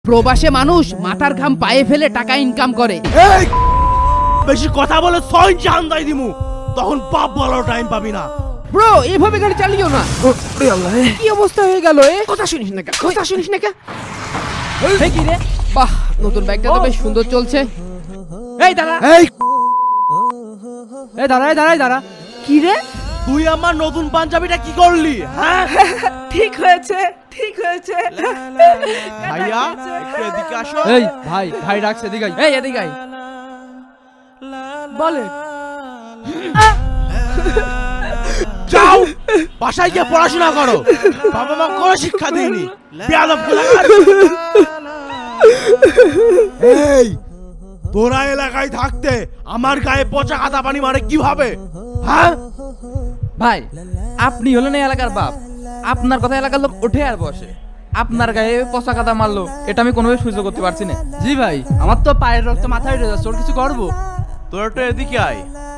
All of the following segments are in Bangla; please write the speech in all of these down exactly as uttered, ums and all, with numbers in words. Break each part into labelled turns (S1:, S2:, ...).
S1: প্রবাসে মানুষ মাথার ঘাম পায়ে ফেলে টাকা ইনকাম করে।
S2: এই বেশি কথা বলে ছয় জান দাই দিমু, তখন বাপ বলার টাইম পাবি না।
S1: ব্রো এভাবে গাড়ি চালিও না। কি অবস্থা হয়ে গেল এ? কথা শুনিস না কে? কথা শুনিস না কে? এই কি রে? বাহ, নতুন বাইকটা তো বেশ সুন্দর চলছে। এই দাঁড়া,
S2: এই
S1: এই দাঁড়া, এই দাঁড়া, এই দাঁড়া। কি রে?
S2: তুই আমার নতুন পাঞ্জাবিটা কি করলি? হ্যাঁ
S3: ঠিক হয়েছে, ঠিক হয়েছে।
S2: ভাইয়া একটু এদিকে আসো।
S4: এই ভাই ভাই ডাকছে এদিকে আয়।
S1: এই এদিকে আয়।
S3: বলে
S2: যাও বাসায় গিয়ে পড়াশোনা করো, বাবা মা কোনো শিক্ষা দেয়নি। বেয়াদব কোলাকার। এই তোরা এলাকায় থাকতে আমার গায়ে পচা কাদা পানি মারে কিভাবে? হ্যাঁ
S4: ভাই আপনি হলেন এই এলাকার বাপ, আপনার কথা এলাকার লোক ওঠে আর বসে, আপনার গায়ে পচা কাদা মারলো এটা আমি কোনোভাবে সহ্য করতে পারছি না।
S3: জি ভাই, আমার তো পায়ের রক্ত মাথায় উঠে যাচ্ছে, ওর কিছু করবো?
S2: তোরা তো এদিকে আয়।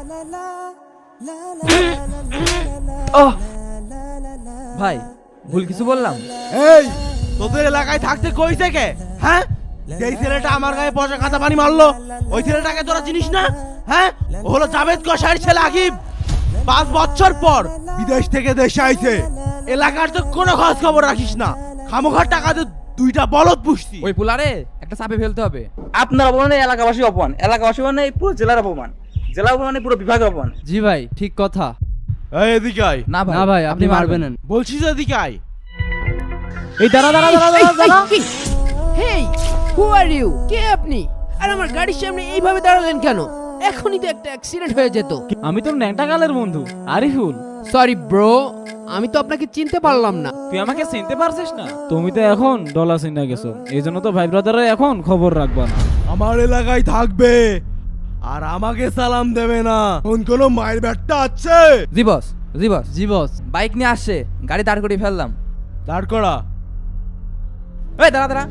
S4: ও ভাই ভুল কিছু বললাম?
S2: এই তোদের এলাকায় থাকতে কই থেকে? হ্যাঁ যেই ছেলেটা আমার গায়ে পচা কাদা পানি মারলো ওই ছেলেটাকে তোরা চিনিস না? হ্যাঁ ও হলো জাভেদ কসাইয়ের ছেলে আকিব। পাঁচ বছর পর বিদেশ থেকে দেশে আইছে, এলাকার তো কোনো খোঁজ খবর রাখিস না, খামোখার টাকা দিয়ে দুইটা বলদ পুষতি।
S4: ওই পুলারে একটা চাপে ফেলতে হবে।
S3: আপনার অপমানে এলাকাবাসী অপমান, এলাকাবাসী মানে পুরো জেলার অপমান, জেলা অপমানে পুরো বিভাগের অপমান।
S4: জি ভাই ঠিক কথা।
S2: এই এদিকে আয়।
S4: না ভাই
S3: না ভাই, আপনি মারবেন না।
S2: বলছিস এদিকে আয়।
S3: এই দাঁড়া দাঁড়া দাঁড়া দাঁড়া দাঁড়া।
S1: হেই, হু আর ইউ? কে আপনি? আর আমার গাড়ির সামনে এইভাবে দাঁড়ালেন কেন? এখনই তো একটা অ্যাক্সিডেন্ট হয়ে যেত।
S5: আমি তোর ন্যাংটা কালের বন্ধু আরিফুল।
S1: সরি ব্রো, আমি তো আপনাকে চিনতে পারলাম না।
S5: তুই আমাকে চিনতে পারছিস না? তুমি তো এখন ডলার চিনা গেছো, এই জন্য তো ভাই ব্রাদাররা এখন খবর রাখবা না।
S2: আমার এলাকায় থাকবে আর আমাকে সালাম দেবে না। কোন কোন মায়ের ব্যাটটা আছে?
S4: জি বস, জি বস,
S3: জি বস।
S4: বাইক নিয়ে আসছে, গাড়ি দাঁড় করিয়ে ফেললাম।
S2: দাঁড় করা।
S4: এই দাঁড়া দাঁড়া।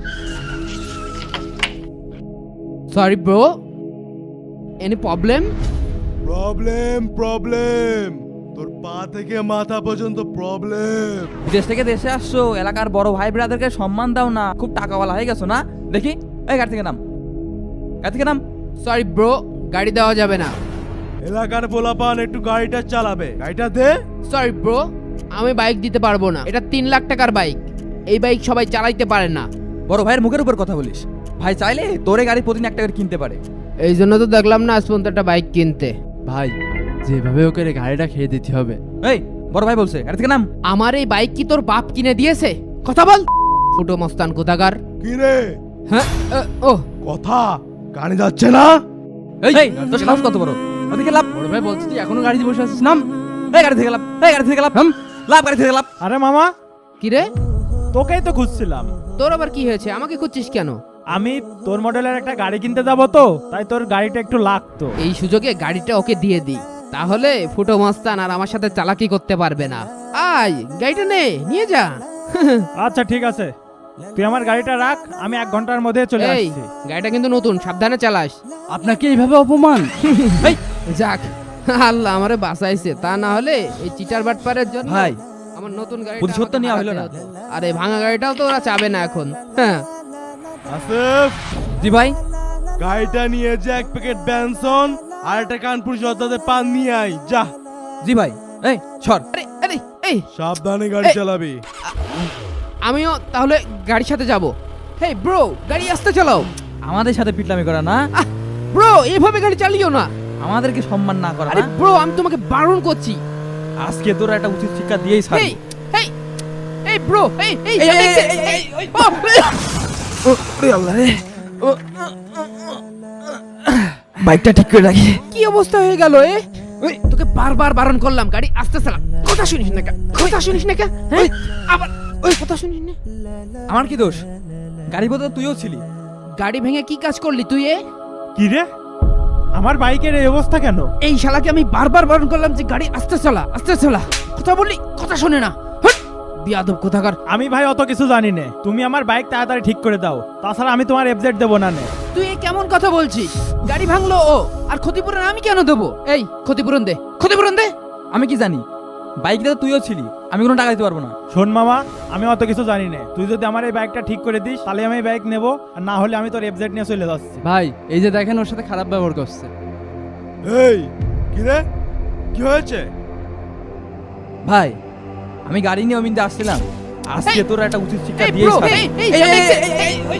S1: Sorry bro, any problem?
S2: Problem problem তোর পা থেকে মাথা পর্যন্ত প্রবলেম।
S4: বিদেশ থেকে দেশে আসছো, এলাকার বড় ভাই ব্রাদারকে সম্মান দাও না, খুব টাকাওয়ালা হয়ে গেছো না? দেখি এই গাড়ি থেকে নাম, গাড়ি থেকে নাম।
S1: সরি ব্রো, গাড়ি দেওয়া যাবে না।
S2: এলাকার পোলাপান একটু গাড়িটা চালাবে, গাড়িটা দে।
S1: সরি ব্রো, আমি বাইক দিতে পারবো না। এটা তিন লাখ টাকার বাইক, এই বাইক সবাই চালাইতে পারে না।
S4: বড় ভাইয়ের মুখের উপর কথা বলিস? ভাই চাইলে তোরে গাড়ি প্রতিদিন একটা করে কিনতে পারে।
S1: এই জন্য তো দেখলাম না আজ পর্যন্ত একটা বাইক কিনতে।
S3: ভাই যেভাবে ওকে রে গাড়িটা খেয়ে দিতে হবে।
S4: এই বড় ভাই বলছে গাড়ি থেকে নাম।
S1: আমার এই বাইক কি তোর বাপ কিনে দিয়েছে? কথা বল, ফুটো মস্তান কোথাকার।
S2: কি রে
S1: হ্যাঁ, আ, ও
S2: কথা কানে যাচ্ছে না?
S4: এই তোর সাহস কত বড়? ওদিকে লাভ।
S3: বড় ভাই বলছি তুই এখনো গাড়িতে বসে আছিস, নাম।
S4: এই গাড়ি থেকে লাভ, এই গাড়ি থেকে লাভ, লাভ গাড়ি থেকে লাভ।
S5: আরে মামা,
S1: কি রে,
S5: তোকেই তো খুঁজছিলাম।
S1: তোর আবার কি হয়েছে? আমাকে খুঁজছিস কেন?
S5: আমি তোর মডেলের একটা গাড়ি কিনতে যাবো তো, তাই তোর গাড়িটা একটু লাগতো।
S1: এই সুযোগে গাড়িটা ওকে দিয়ে দিই, তাহলে ফুটো মস্তান আর আমার সাথে চালাকি করতে পারবে না। আয় গাড়িটা নে, নিয়ে যা।
S5: আচ্ছা ঠিক আছে, তুই আমার গাড়িটা রাখ, আমি এক ঘন্টার মধ্যে চলে
S1: এই
S5: আসছি।
S1: গাড়িটা কিন্তু নতুন, সাবধানে চালাস।
S3: আপনাকে এইভাবে অপমান?
S1: এই যাক, আল্লাহ আমারে বাঁচাইছে, তা না হলে এই চিটার বাটপারের জন্য
S4: ভাই,
S1: আমার নতুন গাড়ি
S4: প্রতিশোধ তো নেওয়া হলো না।
S1: আর এই ভাঙা গাড়িটাও তো ওরা চাবে না এখন। হ্যাঁ
S2: আসিফ,
S4: জি ভাই।
S2: গাড়িটা নিয়ে যে এক প্যাকেট ব্যানসন আর একটা কানপুর জর্দাতে পান নিয়ে আয়, যা।
S4: জি ভাই। এই সর।
S1: আরে আরে এই,
S2: সাবধানে গাড়ি
S1: এই।
S2: চালাবি।
S1: আমিও তাহলে গাড়ির সাথে যাব। হেই ব্রো, গাড়ি আস্তে চালাও।
S4: আমাদের সাথে পিটলামি করা না,
S1: ব্রো এইভাবে গাড়ি চালিও না।
S4: আমাদেরকে সম্মান না করা
S1: আরে
S4: না।
S1: ব্রো, আমি তোমাকে বারণ করছি।
S4: আজকে তোরা একটা উচিত শিক্ষা দিয়েই ছাড়বি।
S1: এই এই এই ব্রো, এই এই
S4: এই, এই,
S1: এই,
S4: এই, এই,
S1: এই, ও,
S4: বাইকটা ঠিক করে রাখি।
S1: কি অবস্থা হয়ে গেল এ? ওই তোকে বারবার বারণ করলাম গাড়ি আস্তে চালা, কথা শুনিস না কেন? কথা শুনিস না কেন? হ্যাঁ আবার ওই কথা শুনিস না।
S4: আমার কি দোষ? গাড়ি বোধ তুইও ছিলি।
S1: গাড়ি ভেঙে কি কাজ করলি তুই এ?
S5: কি রে, আমার বাইকের এই অবস্থা কেন?
S1: এই শালাকে আমি বারবার বারণ করলাম যে গাড়ি আস্তে চালা, আস্তে চালা, কথা বললি কথা শোনে না। হট, বিয়াদব কোথাকার।
S5: আমি ভাই অত কিছু জানি না, তুমি আমার বাইক তাড়াতাড়ি ঠিক করে দাও, তাছাড়া আমি তোমার এফজেড দেবো না নে।
S1: তুই এ কেমন কথা বলছিস? গাড়ি ভাঙলো ও, আর ক্ষতিপূরণ আমি কেন দেবো? এই ক্ষতিপূরণ দে, ক্ষতিপূরণ দে।
S4: আমি কি জানি বাইকটা তো তুইও ছিলি, আমি কোনো টাকা দিতে পারবো না।
S5: শোন মামা, আমি অত কিছু জানি না। তুই যদি আমার এই বাইকটা ঠিক করে দিস তাহলে আমি এই বাইক নেবো, আর না হলে আমি তোর এফজেড নিয়ে চলে যাচ্ছি।
S1: ভাই এই যে দেখেন ওর সাথে খারাপ ব্যবহার করছে।
S2: এই কি রে, কি হয়েছে?
S4: ভাই আমি গাড়ি নিয়ে অমিন্দে আসছিলাম, আজকে তোর একটা উচিত শিক্ষা
S1: এই
S4: দিয়ে
S1: bro, এই, এই, সামনে এসে- এই, এই,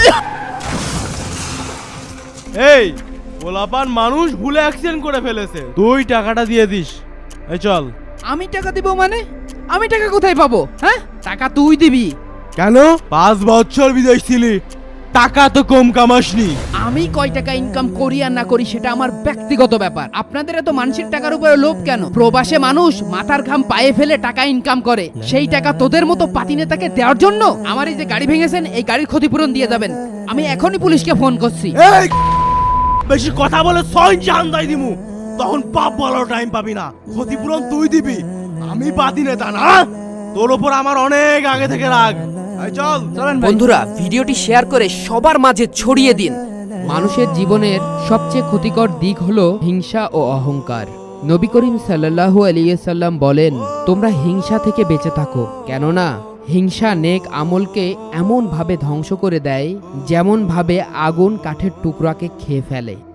S1: ও!
S2: এই পোলাপান মানুষ ভুলে অ্যাক্সিডেন্ট করে ফেলেছে, তুই টাকাটা দিয়ে দিস। এই চল।
S1: আমি টাকা দিব মানে? আমি টাকা কোথায় পাবো? হ্যাঁ, টাকা তুই দিবি।
S2: কেন? পাঁচ বছর বিদেশ ছিলি, টাকা তো কম কামাসনি।
S1: আমি কয় টাকা ইনকাম করি আর না করি সেটা আমার ব্যক্তিগত ব্যাপার। আপনাদের এত মানুষের টাকার উপরে লোভ কেন? প্রবাসে মানুষ মাথার ঘাম পায়ে ফেলে টাকা ইনকাম করে, সেই টাকা তোদের মতো পাতি নেতাকে দেওয়ার জন্য? আমার এই যে গাড়ি ভেঙেছেন, এই গাড়ির ক্ষতিপূরণ দিয়ে যাবেন। আমি এখনই পুলিশকে ফোন করছি।
S2: এই বেশি কথা বলে ছয় জান দাই দিমু, তখন পাপ বলার টাইম পাবি না। ক্ষতিপূরণ তুই দিবি, আমি বাদি নেতা না। তোর ওপর আমার অনেক আগে থেকে রাগ। এই চল।
S4: চলেন ভাই।
S6: বন্ধুরা ভিডিওটি শেয়ার করে সবার মাঝে ছড়িয়ে দিন।
S1: মানুষের জীবনের সবচেয়ে ক্ষতিকর দিক হলো হিংসা ও অহংকার। নবী করিম সাল্লাল্লাহু আলাইহি সাল্লাম বলেন, তোমরা হিংসা থেকে বেঁচে থাকো, কেননা হিংসা নেক আমলকে এমন ভাবে ধ্বংস করে দেয় যেমন ভাবে আগুন কাঠের টুকরাকে খেয়ে ফেলে।